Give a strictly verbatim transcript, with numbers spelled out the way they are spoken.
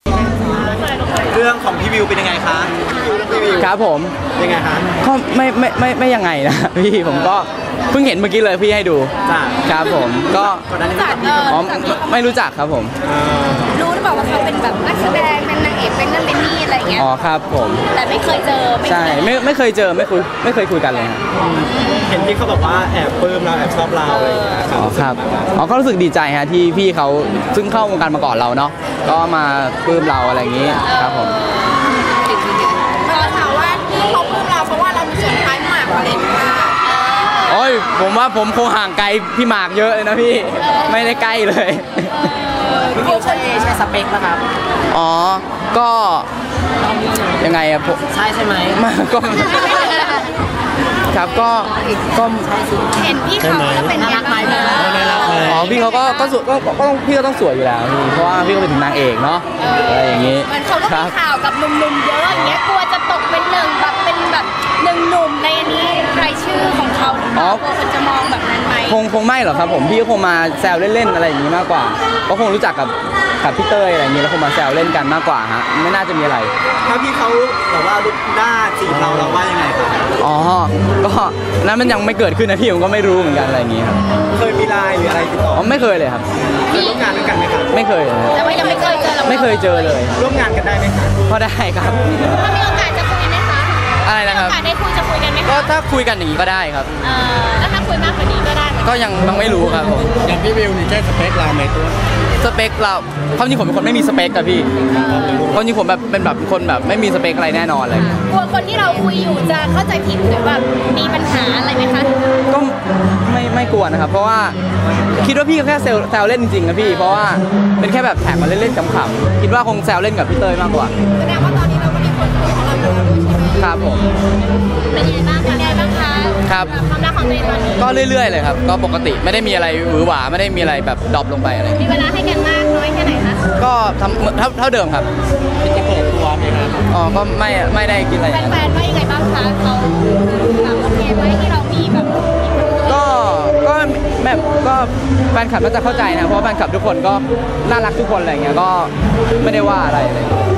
เรื่องของพี่วิวเป็นยังไงคะครับผมยังไงคะก็ไม่ไม่ไม่ไม่ยังไงนะพี่ผมก็เพิ่งเห็นเมื่อกี้เลยพี่ให้ดูครับผมก็อ๋อไม่รู้จักครับผมรู้หรือเปล่าว่าเขาเป็นแบบนักแสดงเป็นนางเอกเป็นนั่นเป็นนี่อะไรเงี้ยอ๋อครับผมแต่ไม่เคยเจอใช่ไม่ไม่เคยเจอไม่คุยไม่เคยคุยกันเลยเห็นพี่เขาบอกว่าแอบปลื้มเราแอบชอบเราเลยอ๋อครับอ๋อก็รู้สึกดีใจฮะที่พี่เขาซึ่งเข้าวงการมาก่อนเราเนาะก็มาปลื้มเราอะไรอย่างนี้ครับผมเราถามว่าที่เขาปลื้มเราเพราะว่าเรามีส่วนคล้ายหมากอะไรอย่างเงี้ยโอ้ยผมว่าผมคงห่างไกลพี่หมากเยอะเลยนะพี่ไม่ได้ใกล้เลยพี่วิวใช่ใช่สเปคป่ะครับอ๋อก็ยังไงอะผมใช่ใช่ไหมก็ครับก็ก็เห็นพี่เขาก็เป็นน่ารักไหมน่ารักเลยอ๋อพี่เขาก็ก็สวยก็ก็ต้องพี่ก็ต้องสวยอยู่แล้วพี่เพราะว่าพี่ก็เป็นถึงนางเอกเนาะอะไรอย่างงี้มันเขาก็มีข่าวกับหนุ่มๆเยอะอย่างเงี้ยกลัวจะตกเป็นหนึ่งแบบเป็นแบบหนึ่งหนุ่มในอันนี้รายชื่อของเขาหรือเปล่ากลัวคนจะมองแบบนั้นไหมคงคงไม่หรอกครับผมพี่ก็คงมาแซวเล่นๆอะไรอย่างงี้มากกว่าก็คงรู้จักกับกับพี่เต้ยอะไรอย่างงี้แล้วคงมาแซวเล่นกันมากกว่าฮะไม่น่าจะมีอะไรถ้าพี่เขาแบบว่าลุกหน้าจีบเราเราว่ายังไงครับอ๋อก็นั้นมันยังไม่เกิดขึ้นนะพี่ผมก็ไม่รู้เหมือนกันอะไรอย่างงี้ครับเคยมีไลน์หรืออะไรติดต่ออ๋อไม่เคยเลยครับเคยร่วมงานด้วยกันไหมครับไม่เคยเลยแต่ว่ายังไม่เคยเจอเราไม่เคยเจอเลยร่วมงานกันได้ไหมครับพอได้ครับถ้ามีโอกาสจะคุยไหมคะอะไรนะครับโอกาสได้คุยจะคุยกันไหมก็ถ้าคุยกันอย่างนี้ก็ได้ครับเออแล้วถ้าคุยมากกว่านี้ก็ได้ก็ยังยังไม่รู้ครับผมอย่างพี่วิวนี่ใช่สเปคเราไหมตัวสเปคเราความจริงผมเป็นคนไม่มีสเปคอะพี่ความจริงผมแบบเป็นแบบคนแบบไม่มีสเปคอะไรแน่นอนเลยกลัวคนที่เราคุยอยู่จะเข้าใจผิดหรือแบบมีปัญหาอะไรไหมคะก็ไม่ไม่กลัวนะครับเพราะว่าคิดว่าพี่แค่แซวเล่นจริงๆนะพี่เพราะว่าเป็นแค่แบบแท็กมาเล่นๆขำๆคิดว่าคงแซวเล่นกับพี่เต้ยมากกว่าแสดงว่าตอนนี้เราก็มีคนคุยของเราอยู่แล้วด้วยใช่ไหมครับผมเป็นยังไงบ้างคะเป็นยังไงบ้างคะครับความรักของตัวเองตอนนี้ก็เรื่อยๆเลยครับก็ปกติไม่ได้มีอะไรหวือหวาไม่ได้มีอะไรแบบดรอปลงไปอะไรมีเวลาให้กันมากน้อยแค่ไหนคะก็ทำเท่าเท่าเดิมครับจะเปิดตัวไหมครับอ๋อก็ไม่ไม่ได้กินอะไรแฟนๆว่ายังไงบ้างคะเขาแบบโอเคไหมที่เรามีแบบก็ก็แบบก็แฟนคลับก็จะเข้าใจนะเพราะแฟนคลับทุกคนก็น่ารักทุกคนอะไรเงี้ยก็ไม่ได้ว่าอะไรเลย